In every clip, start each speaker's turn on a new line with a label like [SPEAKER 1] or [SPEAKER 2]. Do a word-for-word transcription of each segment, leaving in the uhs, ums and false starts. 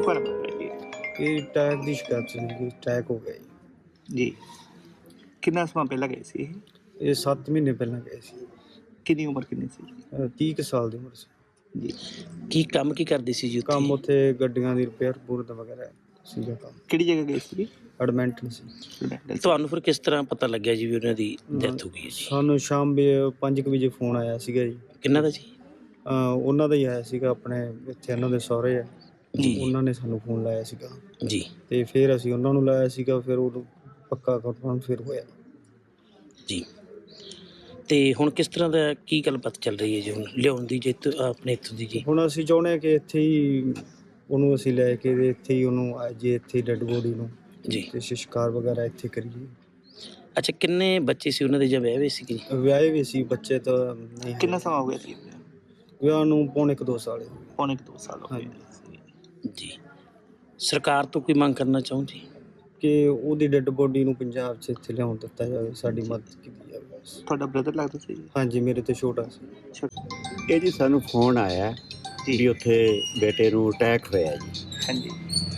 [SPEAKER 1] ਦੁਬਾਰਾ ਬੋਲੋ ਜੀ।
[SPEAKER 2] ਇਹ ਟੈਗ ਦੀ ਸ਼ਿਕਾਇਤ ਸੀ ਕਿ ਟੈਗ ਹੋ ਗਿਆ ਜੀ।
[SPEAKER 1] ਜੀ ਕਿੰਨਾ ਸਮਾਂ ਪਹਿਲਾਂ ਗਏ ਸੀ ਇਹ?
[SPEAKER 2] ਇਹ ਸੱਤ ਮਹੀਨੇ ਪਹਿਲਾਂ ਗਏ ਸੀ।
[SPEAKER 1] ਕਿੰਨੀ ਉਮਰ ਕਿੰਨੀ ਸੀ?
[SPEAKER 2] ਅਹ ਤੀਹ ਕੁ ਸਾਲ ਦੀ ਉਮਰ ਸੀ।
[SPEAKER 1] ਜੀ
[SPEAKER 3] ਕੀ ਕੰਮ ਕੀ ਕਰਦੇ ਸੀ ਜੀ ਉੱਥੇ?
[SPEAKER 2] ਕੰਮ ਉੱਥੇ ਗੱਡੀਆਂ ਦੀ ਰਿਪੇਅਰ ਪੂਰ ਵਗੈਰਾ ਸੀਗਾ ਕੰਮ।
[SPEAKER 1] ਕਿਹੜੀ ਜਗ੍ਹਾ ਗਏ ਸੀ?
[SPEAKER 2] ਐਡਮਿੰਟਨ ਸੀ।
[SPEAKER 3] ਤੁਹਾਨੂੰ ਫਿਰ ਕਿਸ ਤਰ੍ਹਾਂ ਪਤਾ ਲੱਗਿਆ ਜੀ ਵੀ ਉਹਨਾਂ ਦੀ ਡੈਥ ਹੋ ਗਈ ਹੈ ਜੀ?
[SPEAKER 2] ਸਾਨੂੰ ਸ਼ਾਮ ਵੀ ਪੰਜ ਕੁ ਵਜੇ ਫੋਨ ਆਇਆ ਸੀਗਾ ਜੀ।
[SPEAKER 3] ਕਿੰਨਾ ਦਾ ਜੀ?
[SPEAKER 2] ਅਹ ਉਹਨਾਂ ਦਾ ਹੀ ਆਇਆ ਸੀਗਾ, ਆਪਣੇ ਇੱਥੇ ਇਹਨਾਂ ਦੇ ਸਹੁਰੇ ਆ
[SPEAKER 3] ਜੀ
[SPEAKER 2] ਉਹਨਾਂ ਨੇ ਸਾਨੂੰ ਫੋਨ ਲਾਇਆ ਸੀਗਾ
[SPEAKER 3] ਜੀ
[SPEAKER 2] ਤੇ ਫਿਰ ਅਸੀਂ ਉਹਨਾਂ ਨੂੰ ਲਾਇਆ ਸੀਗਾ, ਫਿਰ ਉਹ ਪੱਕਾ ਕਨਫਰਮ ਫਿਰ ਹੋਇਆ
[SPEAKER 3] ਜੀ। ਤੇ ਹੁਣ ਕਿਸ ਤਰ੍ਹਾਂ ਦਾ ਕੀ ਗੱਲਬਾਤ ਚੱਲ ਰਹੀ ਹੈ ਜੀ ਹੁਣ ਲਿਆਉਣ ਦੀ ਜੇ ਇੱਥੋਂ ਆਪਣੇ ਇੱਥੋਂ ਦੀ ਜੀ?
[SPEAKER 2] ਹੁਣ ਅਸੀਂ ਚਾਹੁੰਦੇ ਹਾਂ ਕਿ ਇੱਥੇ ਹੀ ਉਹਨੂੰ ਅਸੀਂ ਲੈ ਕੇ ਤੇ ਇੱਥੇ ਹੀ ਉਹਨੂੰ ਆ ਜੇ ਇੱਥੇ ਡੈੱਡ ਬੋਡੀ ਨੂੰ
[SPEAKER 3] ਜੀ
[SPEAKER 2] ਤੇ ਸੰਸਕਾਰ ਵਗੈਰਾ ਇੱਥੇ ਕਰੀਏ।
[SPEAKER 3] ਅੱਛਾ, ਕਿੰਨੇ ਬੱਚੇ ਸੀ ਉਹਨਾਂ ਦੇ ਜਾਂ ਵਿਆਹ ਹੋਏ ਸੀਗੇ?
[SPEAKER 2] ਵਿਆਹੇ ਵੀ ਸੀ ਬੱਚੇ ਤਾਂ ਨਹੀਂ।
[SPEAKER 1] ਕਿੰਨਾ ਸਮਾਂ ਹੋ ਗਿਆ ਸੀ?
[SPEAKER 2] ਵਿਆਹ ਨੂੰ ਪੌਣੇ ਕੁ ਦੋ ਸਾਲ ਹੋ ਗਏ।
[SPEAKER 1] ਪੌਣੇ ਕੁ ਦੋ ਸਾਲ ਹੋ ਗਏ
[SPEAKER 3] ਜੀ। ਸਰਕਾਰ ਤੋਂ ਕੋਈ ਮੰਗ ਕਰਨਾ ਚਾਹੋ ਜੀ
[SPEAKER 2] ਕਿ ਉਹਦੀ ਡੈੱਡ ਬੋਡੀ ਨੂੰ ਪੰਜਾਬ 'ਚ ਇੱਥੇ ਲਿਆਉਣ ਦਿੱਤਾ ਜਾਵੇ, ਸਾਡੀ ਮਦਦ ਕੀਤੀ ਜਾਵੇ ਬਸ।
[SPEAKER 1] ਤੁਹਾਡਾ ਬ੍ਰਦਰ ਲੱਗਦਾ ਸੀ?
[SPEAKER 2] ਹਾਂਜੀ, ਮੇਰੇ ਤੋਂ ਛੋਟਾ ਸੀ।
[SPEAKER 4] ਇਹ ਜੀ ਸਾਨੂੰ ਫੋਨ ਆਇਆ ਵੀ ਉੱਥੇ ਬੇਟੇ ਨੂੰ ਅਟੈਕ ਹੋਇਆ ਜੀ।
[SPEAKER 1] ਹਾਂਜੀ।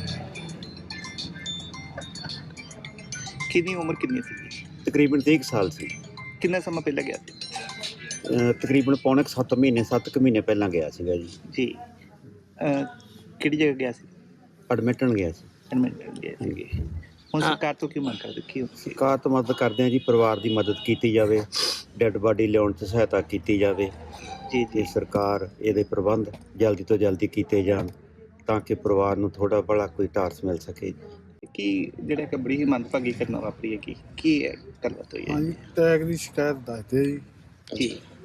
[SPEAKER 1] ਕਿੰਨੀ ਉਮਰ ਕਿੰਨੀ ਸੀ?
[SPEAKER 4] ਤਕਰੀਬਨ ਤੀਹ ਕੁ ਸਾਲ ਸੀ।
[SPEAKER 1] ਕਿੰਨਾ ਸਮਾਂ ਪਹਿਲਾਂ ਗਿਆ ਸੀ?
[SPEAKER 4] ਅਹ ਤਕਰੀਬਨ ਪੌਣੇ ਕੁ ਸੱਤ ਮਹੀਨੇ ਸੱਤ ਕੁ ਮਹੀਨੇ ਪਹਿਲਾਂ ਗਿਆ ਸੀਗਾ ਜੀ।
[SPEAKER 1] ਜੀ ਅਹ ਕਿਹੜੀ ਜਗ੍ਹਾ ਗਿਆ ਸੀ?
[SPEAKER 4] ਐਡਮਿਟਣ ਗਿਆ ਸੀ।
[SPEAKER 1] ਐਡਮਿਟ ਗਏ ਸੀਗੇ। ਹੁਣ ਸਰਕਾਰ ਤੋਂ ਕੀ ਮੰਗ ਕਰਦੇ? ਕੀ
[SPEAKER 4] ਸਰਕਾਰ ਤੋਂ ਮਦਦ ਕਰਦੇ ਹਾਂ ਜੀ, ਪਰਿਵਾਰ ਦੀ ਮਦਦ ਕੀਤੀ ਜਾਵੇ, ਡੈੱਡ ਬਾਡੀ ਲਿਆਉਣ 'ਚ ਸਹਾਇਤਾ ਕੀਤੀ ਜਾਵੇ
[SPEAKER 1] ਜੀ
[SPEAKER 4] ਤੇ ਸਰਕਾਰ ਇਹਦੇ ਪ੍ਰਬੰਧ ਜਲਦੀ ਤੋਂ ਜਲਦੀ ਕੀਤੇ ਜਾਣ ਤਾਂ ਕਿ ਪਰਿਵਾਰ ਨੂੰ ਥੋੜ੍ਹਾ ਭਲਾ ਕੋਈ ਟਾਰਸ ਮਿਲ ਸਕੇ।
[SPEAKER 1] ਕੀ ਜਿਹੜਾ ਕਿ ਬੜੀ ਹੀ ਮੰਦਭਾਗੀ ਘਟਨਾ ਵਾਪਰੀ ਹੈ, ਕੀ ਕੀ ਹੈ ਗੱਲਬਾਤ ਹੋਈ ਹੈ?
[SPEAKER 2] ਹਾਂਜੀ, ਟੈਗ ਦੀ ਸ਼ਿਕਾਇਤ ਦੱਸਦੇ ਜੀ।
[SPEAKER 1] ਜੀ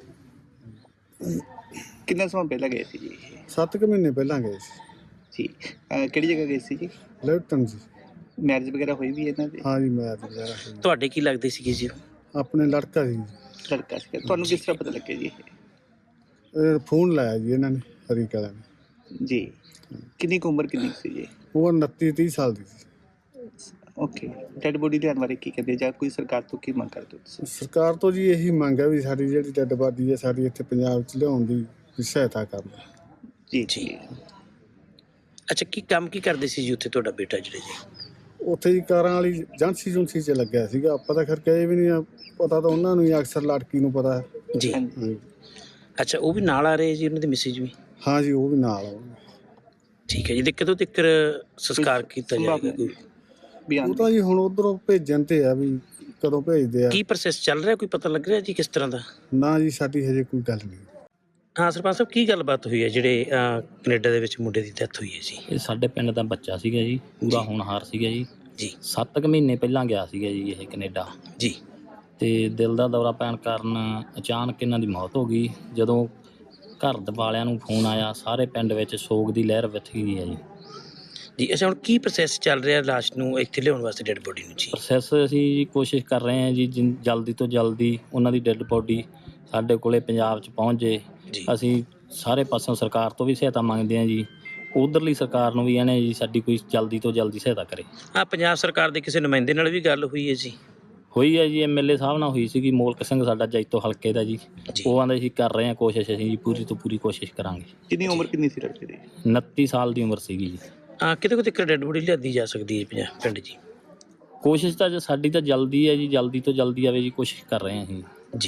[SPEAKER 1] ਕਿੰਨਾ ਸਮਾਂ ਪਹਿਲਾਂ ਗਏ ਸੀ ਜੀ?
[SPEAKER 2] ਸੱਤ ਕੁ ਮਹੀਨੇ ਪਹਿਲਾਂ ਗਏ ਸੀ।
[SPEAKER 1] ਜੀ ਅਹ ਕਿਹੜੀ ਜਗ੍ਹਾ ਗਏ ਸੀ ਜੀ?
[SPEAKER 2] ਲੈਫਟਨ ਜੀ।
[SPEAKER 1] ਮੈਰਿਜ ਵਗੈਰਾ ਹੋਈ ਵੀ ਇਹਨਾਂ ਦੀ?
[SPEAKER 2] ਹਾਂਜੀ, ਮੈਂ ਤੇ ਵਗੈਰਾ ਸੀ।
[SPEAKER 3] ਤੁਹਾਡੇ ਕੀ ਲੱਗਦੇ ਸੀਗੇ ਜੀ?
[SPEAKER 2] ਆਪਣੇ ਲੜਕਾ ਸੀ।
[SPEAKER 1] ਲੜਕਾ ਸੀ। ਤੁਹਾਨੂੰ ਕਿਸ ਤਰ੍ਹਾਂ ਪਤਾ ਲੱਗਿਆ ਜੀ?
[SPEAKER 2] ਇਹ ਫੋਨ ਲਾਇਆ ਜੀ ਇਹਨਾਂ ਨੇ, ਹਰੀ ਕਲਾ ਨੇ।
[SPEAKER 1] ਜੀ ਕਿੰਨੀ ਕੁ ਉਮਰ ਕਿੰਨੀ ਕੁ ਸੀ ਜੀ?
[SPEAKER 2] ਉਹ ਉਨੱਤੀ ਤੀਹ ਸਾਲ ਦੀ ਸੀ।
[SPEAKER 1] ਓਕੇ, ਡੈਡ ਬੋਡੀ ਲਿਆਉਣ ਬਾਰੇ ਕੀ ਕਹਿੰਦੇ, ਜਾਂ ਕੋਈ ਸਰਕਾਰ ਤੋਂ ਕੀ ਮੰਗ ਕਰਦੇ ਹੋ ਤੁਸੀਂ?
[SPEAKER 2] ਸਰਕਾਰ ਤੋਂ ਜੀ ਇਹੀ ਮੰਗ ਹੈ ਵੀ ਸਾਡੀ ਜਿਹੜੀ ਡੈੱਡ ਬਾਡੀ ਹੈ ਸਾਡੀ ਇੱਥੇ ਪੰਜਾਬ 'ਚ ਲਿਆਉਣ ਦੀ ਸਹਾਇਤਾ ਕਰਨ।
[SPEAKER 1] ਜੀ
[SPEAKER 3] ਜੀ। ਅੱਛਾ, ਕੀ ਕੰਮ ਕੀ ਕਰਦੇ ਸੀ ਜੀ ਉੱਥੇ ਤੁਹਾਡਾ ਬੇਟਾ ਜਿਹੜੇ ਜੀ?
[SPEAKER 2] ਉੱਥੇ ਹੀ ਕਾਰਾਂ ਵਾਲੀ ਏਜੰਸੀ ਜੁੰਸੀ 'ਚ ਲੱਗਿਆ ਸੀਗਾ। ਆਪਾਂ ਤਾਂ ਖਰ ਕਹੇ ਵੀ ਨਹੀਂ ਆ, ਪਤਾ ਤਾਂ ਉਹਨਾਂ ਨੂੰ ਹੀ ਅਕਸਰ ਲੜਕੀ ਨੂੰ ਪਤਾ ਹੈ।
[SPEAKER 3] ਜੀ।
[SPEAKER 2] ਹਾਂਜੀ।
[SPEAKER 3] ਅੱਛਾ, ਉਹ ਵੀ ਨਾਲ ਆ ਰਹੇ ਜੀ ਉਹਨਾਂ ਦੇ ਮਿਸਿਜ ਵੀ?
[SPEAKER 2] ਹਾਂ ਜੀ, ਉਹ ਵੀ ਨਾਲ ਆਉਣਗੇ।
[SPEAKER 3] ਠੀਕ ਹੈ ਜੀ। ਤੇ ਕਦੋਂ ਤੱਕ ਸੰਸਕਾਰ ਕੀਤਾ ਜਾਏਗਾ ਕੋਈ?
[SPEAKER 1] ਬਿਆਨ
[SPEAKER 2] ਉਹ ਤਾਂ ਜੀ ਹੁਣ ਉਧਰੋਂ ਭੇਜਣ ਤੇ ਆ ਵੀ ਕਦੋਂ ਭੇਜਦੇ ਆ।
[SPEAKER 3] ਕੀ ਪ੍ਰੋਸੈਸ ਚੱਲ ਰਿਹਾ, ਕੋਈ ਪਤਾ ਲੱਗ ਰਿਹਾ ਜੀ ਕਿਸ ਤਰ੍ਹਾਂ ਦਾ?
[SPEAKER 2] ਨਾ ਜੀ, ਸਾਡੀ ਹਜੇ ਕੋਈ ਗੱਲ ਨਹੀਂ।
[SPEAKER 3] ਹਾਂ ਸਰਪੰਚ ਸਾਹਿਬ, ਕੀ ਗੱਲਬਾਤ ਹੋਈ ਹੈ ਜਿਹੜੇ ਅਹ, ਕੈਨੇਡਾ ਦੇ ਵਿੱਚ ਮੁੰਡੇ ਦੀ ਡੈਥ ਹੋਈ ਹੈ ਜੀ?
[SPEAKER 5] ਇਹ ਸਾਡੇ ਪਿੰਡ ਦਾ ਬੱਚਾ ਸੀਗਾ ਜੀ, ਪੂਰਾ ਹੋਣਹਾਰ ਸੀਗਾ ਜੀ।
[SPEAKER 3] ਜੀ
[SPEAKER 5] ਸੱਤ ਕੁ ਮਹੀਨੇ ਪਹਿਲਾਂ ਗਿਆ ਸੀਗਾ ਜੀ ਇਹ ਕੈਨੇਡਾ।
[SPEAKER 3] ਜੀ।
[SPEAKER 5] ਤੇ ਦਿਲ ਦਾ ਦੌਰਾ ਪੈਣ ਕਾਰਨ ਅਚਾਨਕ ਇਹਨਾਂ ਦੀ ਮੌਤ ਹੋ ਗਈ। ਜਦੋਂ ਘਰ ਦੇ ਵਾਲਿਆਂ ਨੂੰ ਫੋਨ ਆਇਆ, ਸਾਰੇ ਪਿੰਡ ਵਿੱਚ ਸੋਗ ਦੀ ਲਹਿਰ ਵਿਥ ਗਈ ਹੈ ਜੀ।
[SPEAKER 3] ਜੀ ਅੱਛਾ, ਹੁਣ ਕੀ ਪ੍ਰੋਸੈਸ ਚੱਲ ਰਿਹਾ ਲਾਸ਼ ਨੂੰ ਇੱਥੇ ਲਿਆਉਣ ਵਾਸਤੇ, ਡੈਡ ਬੋਡੀ ਨੂੰ ਜੀ?
[SPEAKER 5] ਪ੍ਰੋਸੈਸ ਅਸੀਂ ਕੋਸ਼ਿਸ਼ ਕਰ ਰਹੇ ਹਾਂ ਜੀ ਜਿਨ- ਜਲਦੀ ਤੋਂ ਜਲਦੀ ਉਹਨਾਂ ਦੀ ਡੈੱਡ ਬੋਡੀ ਸਾਡੇ ਕੋਲੇ ਪੰਜਾਬ 'ਚ ਪਹੁੰਚ ਜੇ।
[SPEAKER 3] ਜੀ।
[SPEAKER 5] ਅਸੀਂ ਸਾਰੇ ਪਾਸੋਂ ਸਰਕਾਰ ਤੋਂ ਵੀ ਸਹਾਇਤਾ ਮੰਗਦੇ ਹਾਂ ਜੀ, ਉਧਰਲੀ ਸਰਕਾਰ ਨੂੰ ਵੀ ਇਹਨੇ ਜੀ ਸਾਡੀ ਕੋਈ ਜਲਦੀ ਤੋਂ ਜਲਦੀ ਸਹਾਇਤਾ ਕਰੇ।
[SPEAKER 3] ਹਾਂ, ਪੰਜਾਬ ਸਰਕਾਰ ਦੇ ਕਿਸੇ ਨੁਮਾਇੰਦੇ ਨਾਲ ਵੀ ਗੱਲ ਹੋਈ ਹੈ ਜੀ?
[SPEAKER 5] ਹੋਈ ਹੈ ਜੀ, ਐਮ ਐਲ ਏ ਸਾਹਿਬ ਨਾਲ ਹੋਈ ਸੀਗੀ, ਮੋਲਕ ਸਿੰਘ ਸਾਡਾ ਜੈਤੋ ਹਲਕੇ ਦਾ ਜੀ।
[SPEAKER 3] ਜੀ।
[SPEAKER 5] ਉਹ ਆਂਦੇ ਸੀ ਕਰ ਰਹੇ ਹਾਂ ਕੋਸ਼ਿਸ਼, ਅਸੀਂ ਜੀ ਪੂਰੀ ਤੋਂ ਪੂਰੀ ਕੋਸ਼ਿਸ਼ ਕਰਾਂਗੇ।
[SPEAKER 1] ਕਿੰਨੀ ਉਮਰ ਕਿੰਨੀ ਸੀ ਲੜਕੇ ਦੀ?
[SPEAKER 5] ਉਨੱਤੀ ਸਾਲ ਦੀ ਉਮਰ ਸੀਗੀ ਜੀ।
[SPEAKER 3] ਹਾਂ, ਕਿਤੇ ਕਿਤੇ ਡੈਡ ਬੋਡੀ ਲਿਆਦੀ ਜਾ ਸਕਦੀ ਹੈ ਪੰਜਾਬ ਪਿੰਡ ਜੀ?
[SPEAKER 5] ਕੋਸ਼ਿਸ਼ ਤਾਂ ਜੀ ਸਾਡੀ ਤਾਂ ਜਲਦੀ ਹੈ ਜੀ, ਜਲਦੀ ਤੋਂ ਜਲਦੀ ਆਵੇ ਜੀ, ਕੋਸ਼ਿਸ਼ ਕਰ ਰਹੇ ਹਾਂ ਅਸੀਂ।